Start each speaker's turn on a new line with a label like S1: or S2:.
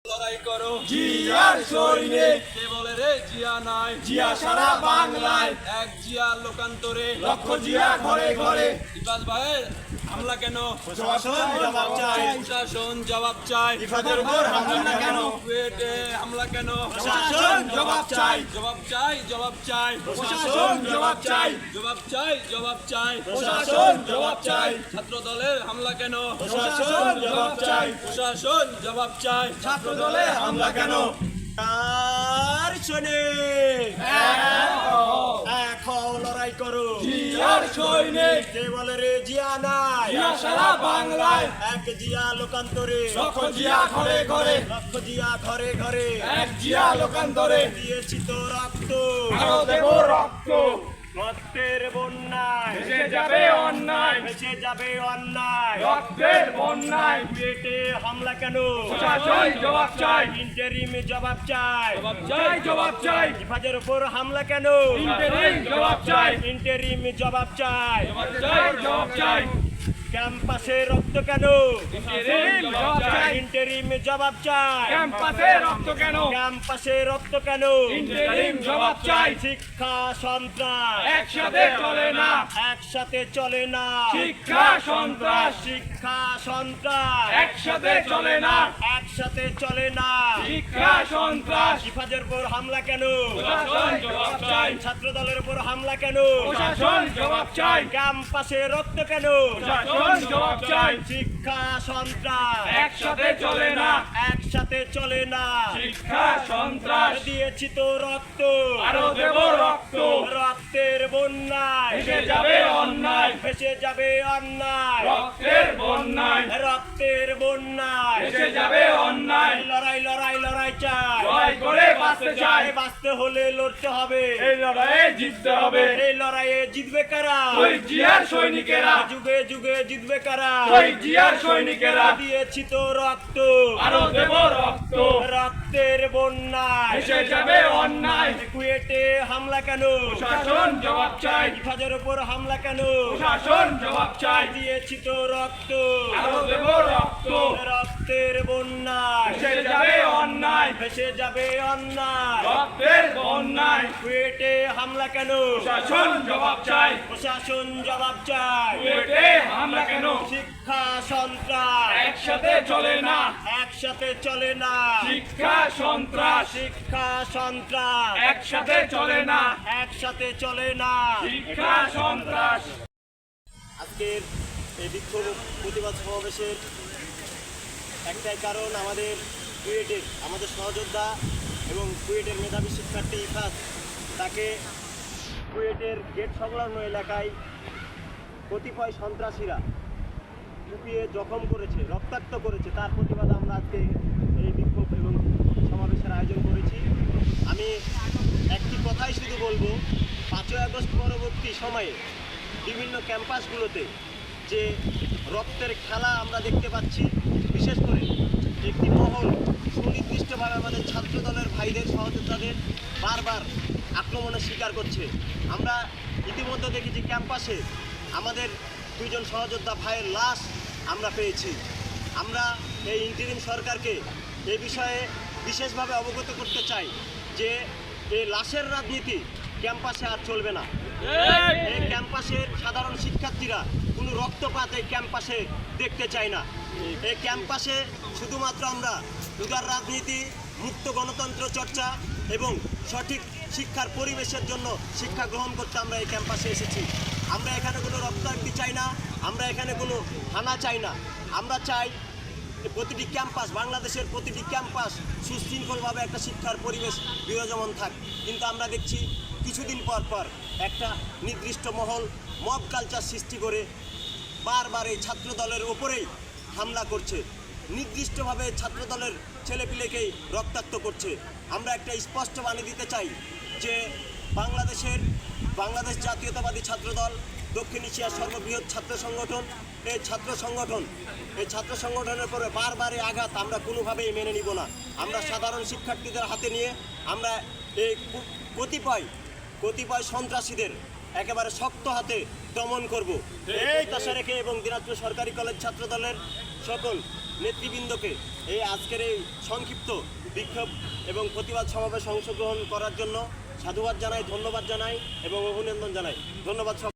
S1: লড়াই করো
S2: জিয়ার সৈনিক
S1: কে বলে রে জিয়া নাই
S2: জিয়া সারা বাংলায়
S1: এক জিয়া লোকান্তরে
S2: লক্ষ জিয়া ঘরে ঘরে
S1: ইফাজ ভাইয়ের হামলা কেন
S2: প্রশাসন জবাব চাই
S1: প্রশাসন জবাব চাই
S2: ইফাদের উপর হামলা কেন
S1: কুয়েটে হামলা কেন
S2: প্রশাসন জবাব চাই
S1: জবাব চাই জবাব চাই
S2: প্রশাসন জবাব চাই
S1: জবাব চাই জবাব চাই
S2: প্রশাসন জবাব চাই
S1: ছাত্র দলের হামলা কেন
S2: প্রশাসন জবাব চাই
S1: প্রশাসন জবাব চাই
S2: ছাত্র দলে হামলা কেন
S3: আর সৈনিক এক হও লড়াই করো
S2: জিয়ার সৈনিক
S3: কে বলে রে জিয়া নাই
S2: জিয়া সারা বাংলায়
S3: এক জিয়া লোকান্তরে
S2: লক্ষ জিয়া ঘরে ঘরে
S3: লক্ষ জিয়া ঘরে ঘরে
S2: এক জিয়া লোকান্তরে
S3: দিয়েছি তো রক্ত
S2: আরো দেব রক্ত
S3: রক্তের বন্যায়
S2: ভেসে যাবে অন্যায়
S3: ভেসে যাবে অন্যায়
S2: রক্তের বন্যায়
S3: পেটে হামলা কেন
S2: প্রশাসন জবাব চাই
S3: ইন্টারিম জবাব চাই
S2: জবাব চাই
S3: হিফাজের উপর হামলা কেন
S2: ইন্টারিম জবাব চাই
S3: ইন্টারিম জবাব চাই
S2: জবাব চাই
S3: ক্যাম্পাসে রক্ত কেন
S2: ইন্টারিম জবাব চাই
S3: ইন্টারিম জবাব চাই
S2: ক্যাম্পাসে রক্ত কেন
S3: ক্যাম্পাসে রক্ত কেন
S2: ইন্টারিম জবাব চাই
S3: শিক্ষা সন্ত্রাস
S2: একসাথে চলে না
S3: একসাথে চলে না
S2: শিক্ষা সন্ত্রাস
S3: শিক্ষা সন্ত্রাস
S2: একসাথে চলে না
S3: একসাথে চলে না
S2: শিক্ষা সন্ত্রাস
S3: হিফাজের উপর হামলা কেন
S2: প্রশাসন জবাব চাই
S3: ছাত্র দলের উপর হামলা কেন
S2: প্রশাসন জবাব চাই
S3: ক্যাম্পাসে রক্ত কেন
S2: প্রশাসন জবাব চাই
S3: শিক্ষা সন্ত্রাস
S2: একসাথে চলে না
S3: একসাথে চলে না
S2: শিক্ষা সন্ত্রাস
S3: দিয়েছি তো রক্ত
S2: আরো দেব রক্ত
S3: রক্তের বন্যায়
S2: ভেসে যাবে অন্যায়
S3: ভেসে যাবে অন্যায়
S2: রক্তের বন্যায়
S3: রক্তের বন্যায়
S2: ভেসে যাবে অন্যায়
S3: লড়াই লড়াই লড়াই চাই
S2: লড়াই করে বাঁচতে চাই
S3: বাঁচতে হলে লড়তে হবে
S2: এই লড়াইয়ে জিততে হবে
S3: এই লড়াইয়ে জিতবে কারা
S2: ওই জিয়ার সৈনিকেরা
S3: যুগে যুগে জিতবে কারা
S2: ওই জিয়ার সৈনিকেরা
S3: দিয়েছি তো রক্ত
S2: আরো দেব রক্ত
S3: রক্তের বন্যায়
S2: ভেসে যাবে অন্যায়
S3: কুয়েটে হামলা কেন
S2: প্রশাসন জবাব চাই
S3: হিফাজের উপর হামলা কেন
S2: প্রশাসন জবাব চাই
S3: দিয়েছি তো রক্ত
S2: আরো দেব রক্ত
S3: রক্তের বন্যায়
S2: ভেসে যাবে অন্যায়
S3: ভেসে যাবে অন্যায়
S2: রক্তের বন্যায়
S3: কুয়েটে হামলা কেন
S2: প্রশাসন জবাব চাই
S3: প্রশাসন জবাব চাই
S2: কুয়েটে হামলা কেন
S3: শিক্ষা সন্ত্রাস
S2: একসাথে চলে না
S3: একসাথে চলে না
S2: শিক্ষা সন্ত্রাস
S3: শিক্ষা সন্ত্রাস
S2: একসাথে চলে না
S3: একসাথে চলে না
S2: শিক্ষা সন্ত্রাস
S3: আজকের এই বিক্ষোভ প্রতিবাদ সমাবেশের একটাই কারণ আমাদের কুয়েটের আমাদের সহযোদ্ধা এবং কুয়েটের মেধাবী শিক্ষার্থী ইফাজ তাকে কুয়েটের গেট সংলগ্ন এলাকায় কতিপয় সন্ত্রাসীরা কুপিয়ে জখম করেছে রক্তাক্ত করেছে তার প্রতিবাদে আমরা আজকে এই বিক্ষোভ এবং সমাবেশের আয়োজন করেছি আমি একটি কথাই শুধু বলবো 5ই আগস্ট পরবর্তী সময়ে বিভিন্ন ক্যাম্পাসগুলোতে যে রক্তের খেলা আমরা দেখতে পাচ্ছি বিশেষ করে একটি মহল সুনির্দিষ্টভাবে আমাদের ছাত্র দলের ভাইদের সহযোদ্ধাদের বারবার আক্রমণের শিকার করছে আমরা ইতিমধ্যে দেখেছি ক্যাম্পাসে আমাদের 2 জন সহযোদ্ধা ভাইয়ের লাশ আমরা পেয়েছি আমরা এই ইন্টারিম সরকারকে এই বিষয়ে বিশেষভাবে অবগত করতে চাই যে এই লাশের রাজনীতি ক্যাম্পাসে আর চলবে না এই ক্যাম্পাসের সাধারণ শিক্ষার্থীরা কোনো রক্তপাত এই ক্যাম্পাসে দেখতে চায় না এই ক্যাম্পাসে শুধুমাত্র আমরা উদার রাজনীতি মুক্ত গণতন্ত্র চর্চা এবং সঠিক শিক্ষার পরিবেশের জন্য শিক্ষা গ্রহণ করতে আমরা এই ক্যাম্পাসে এসেছি আমরা এখানে কোনো রক্তাক্তি চাই না আমরা এখানে কোনো হানা চাই না আমরা চাই প্রতিটি ক্যাম্পাস বাংলাদেশের প্রতিটি ক্যাম্পাস সুশৃঙ্খলভাবে একটা শিক্ষার পরিবেশ বিরাজমান থাক কিন্তু আমরা দেখছি কিছুদিন পর পর একটা নির্দিষ্ট মহল মব কালচার সৃষ্টি করে বারবার এই ছাত্র দলের ওপরেই হামলা করছে নির্দিষ্টভাবে ছাত্র দলের ছেলেপিলেকেই রক্তাক্ত করছে আমরা একটা স্পষ্ট বাণী দিতে চাই যে বাংলাদেশ জাতীয়তাবাদী ছাত্রদল দক্ষিণ এশিয়ার সর্ববৃহৎ ছাত্র সংগঠন এই ছাত্র সংগঠনের পরে বারবার আঘাত আমরা কোনোভাবেই মেনে নিব না আমরা সাধারণ শিক্ষার্থীদের হাতে নিয়ে আমরা এই কতিপয় সন্ত্রাসীদের একেবারে শক্ত হাতে দমন করব এই আশা রেখে এবং দিনাজপুর সরকারি কলেজ ছাত্র দলের সকল নেতৃবৃন্দকে এই আজকের এই সংক্ষিপ্ত বিক্ষোভ এবং প্রতিবাদ সমাবেশে অংশগ্রহণ করার জন্য সাধুবাদ জানাই, ধন্যবাদ জানাই এবং অভিনন্দন জানাই। ধন্যবাদ।